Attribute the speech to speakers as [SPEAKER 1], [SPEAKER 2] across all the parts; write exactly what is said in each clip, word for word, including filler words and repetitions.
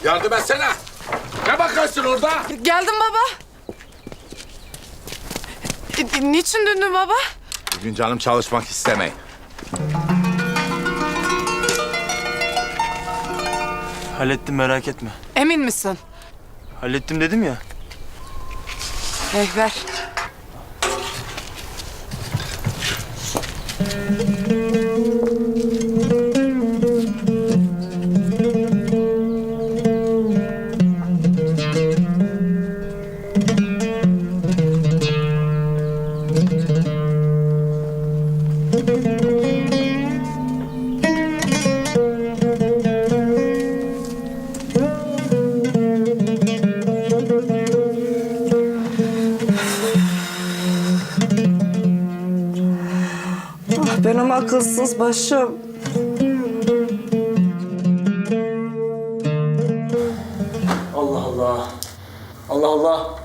[SPEAKER 1] Yardım etsene. Ne bakarsın orada?
[SPEAKER 2] Geldim baba. E, niçin döndün baba?
[SPEAKER 1] Bugün canım çalışmak istemeyin.
[SPEAKER 3] Hallettim, merak etme.
[SPEAKER 2] Emin misin?
[SPEAKER 3] Hallettim dedim ya.
[SPEAKER 2] Eh ver. Benim akılsız başım.
[SPEAKER 4] Allah Allah. Allah Allah.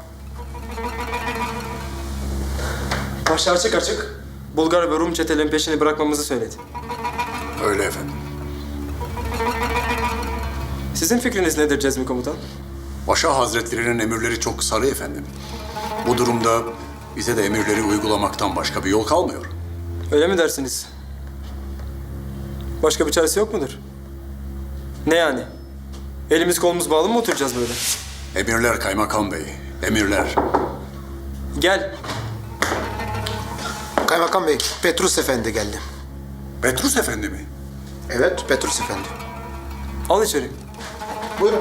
[SPEAKER 4] Başı açık açık Bulgar ve Rum çetelerin peşini bırakmamızı söyledi.
[SPEAKER 5] Öyle efendim.
[SPEAKER 4] Sizin fikriniz nedir Cezmi Komutan?
[SPEAKER 5] Paşa Hazretlerinin emirleri çok sarı efendim. Bu durumda bize de emirleri uygulamaktan başka bir yol kalmıyor.
[SPEAKER 4] Öyle mi dersiniz? Başka bir çaresi yok mudur? Ne yani? Elimiz kolumuz bağlı mı oturacağız böyle?
[SPEAKER 5] Emirler kaymakam bey, emirler.
[SPEAKER 4] Gel.
[SPEAKER 6] Kaymakam Bey, Petrus Efendi geldi.
[SPEAKER 5] Petrus efendi mi?
[SPEAKER 6] Evet, Petrus Efendi.
[SPEAKER 4] Al içeri.
[SPEAKER 6] Buyurun.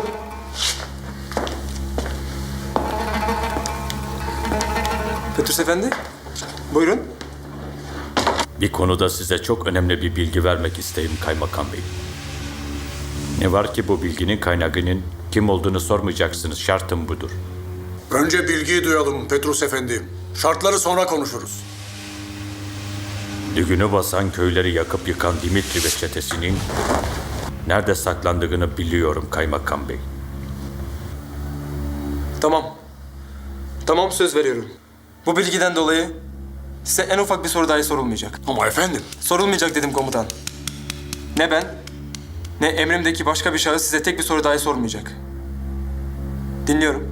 [SPEAKER 4] Petrus Efendi. Buyurun.
[SPEAKER 7] Bir konuda size çok önemli bir bilgi vermek isteyim Kaymakam Bey. Ne var ki bu bilginin kaynağının kim olduğunu sormayacaksınız. Şartım budur.
[SPEAKER 5] Önce bilgiyi duyalım Petrus efendi. Şartları sonra konuşuruz.
[SPEAKER 7] Düğünü basan köyleri yakıp yıkan Dimitri ve çetesinin nerede saklandığını biliyorum Kaymakam Bey.
[SPEAKER 4] Tamam. Tamam, söz veriyorum. Bu bilgiden dolayı size en ufak bir soru dahi sorulmayacak.
[SPEAKER 5] Ama efendim.
[SPEAKER 4] Sorulmayacak dedim komutan. Ne ben, ne emrimdeki başka bir şahıs size tek bir soru dahi sormayacak. Dinliyorum.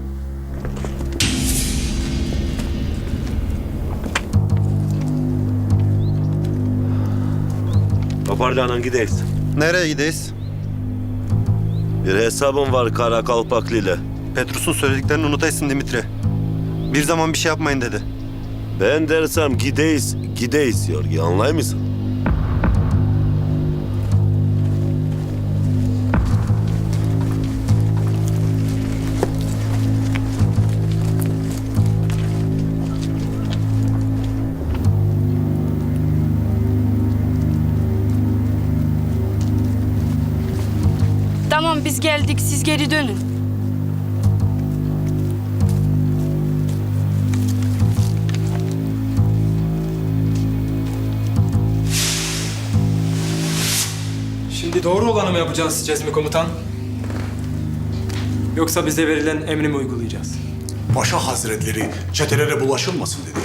[SPEAKER 8] Toparlanın gideyiz.
[SPEAKER 9] Nereye gideyiz?
[SPEAKER 8] Bir hesabım var Kara Kalpaklı ile.
[SPEAKER 9] Petrus'un söylediklerini unutaysın Dimitri. Bir zaman bir şey yapmayın dedi.
[SPEAKER 8] Ben dersem gideyiz, gideyiz diyor. Anlay mısın?
[SPEAKER 10] Tamam, biz geldik, siz geri dönün.
[SPEAKER 4] Şimdi doğru olanı mı yapacağız Cezmi Komutan? Yoksa bize verilen emri mi uygulayacağız?
[SPEAKER 5] Paşa Hazretleri çetelere bulaşılmasın dedi.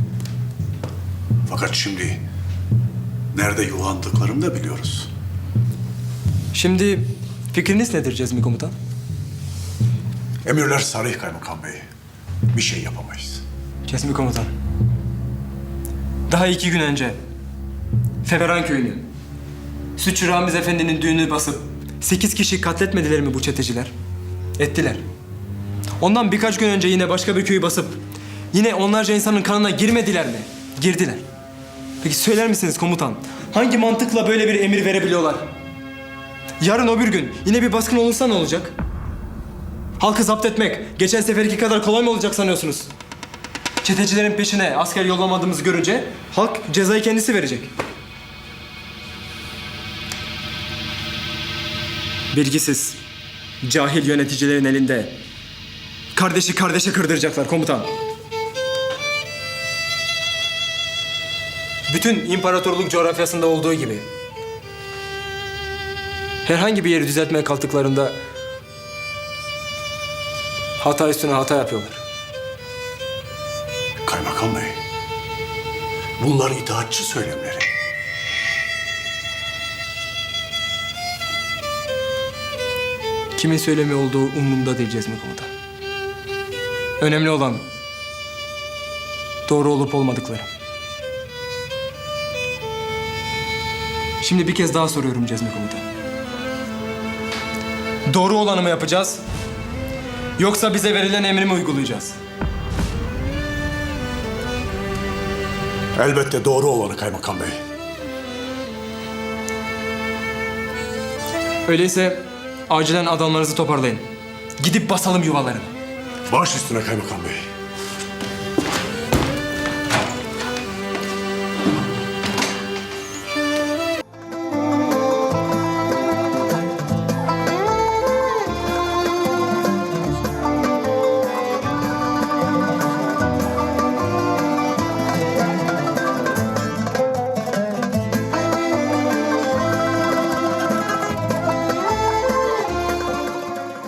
[SPEAKER 5] Fakat şimdi nerede yuvandıklarını da biliyoruz.
[SPEAKER 4] Şimdi fikriniz nedir Cezmi Komutan?
[SPEAKER 5] Emirler sarih kaymakam bey. Bir şey yapamayız.
[SPEAKER 4] Cezmi Komutan. Daha iki gün önce Feveran köyünü, Sütçü Ramiz Efendi'nin düğünü basıp sekiz kişi katletmediler mi bu çeteciler? Ettiler. Ondan birkaç gün önce yine başka bir köyü basıp yine onlarca insanın kanına girmediler mi? Girdiler. Peki söyler misiniz komutan? Hangi mantıkla böyle bir emir verebiliyorlar? Yarın öbür gün yine bir baskın olursa ne olacak? Halkı zapt etmek geçen seferki kadar kolay mı olacak sanıyorsunuz? Çetecilerin peşine asker yollamadığımızı görünce halk cezayı kendisi verecek. Bilgisiz, cahil yöneticilerin elinde kardeşi kardeşe kırdıracaklar komutan. Bütün imparatorluk coğrafyasında olduğu gibi herhangi bir yeri düzeltmeye kalktıklarında hata üstüne hata yapıyorlar.
[SPEAKER 5] Kaymakam bey, bunlar itaatçı söylemleri.
[SPEAKER 4] Kimin söylemi olduğu umurumda değil Cezmi Komutan. Önemli olan doğru olup olmadıkları. Şimdi bir kez daha soruyorum Cezmi Komutan. Doğru olanı mı yapacağız? Yoksa bize verilen emri mi uygulayacağız?
[SPEAKER 5] Elbette doğru olanı kaymakam bey.
[SPEAKER 4] Öyleyse acilen adamlarınızı toparlayın. Gidip basalım yuvalarını.
[SPEAKER 5] Baş üstüne kaymakam bey.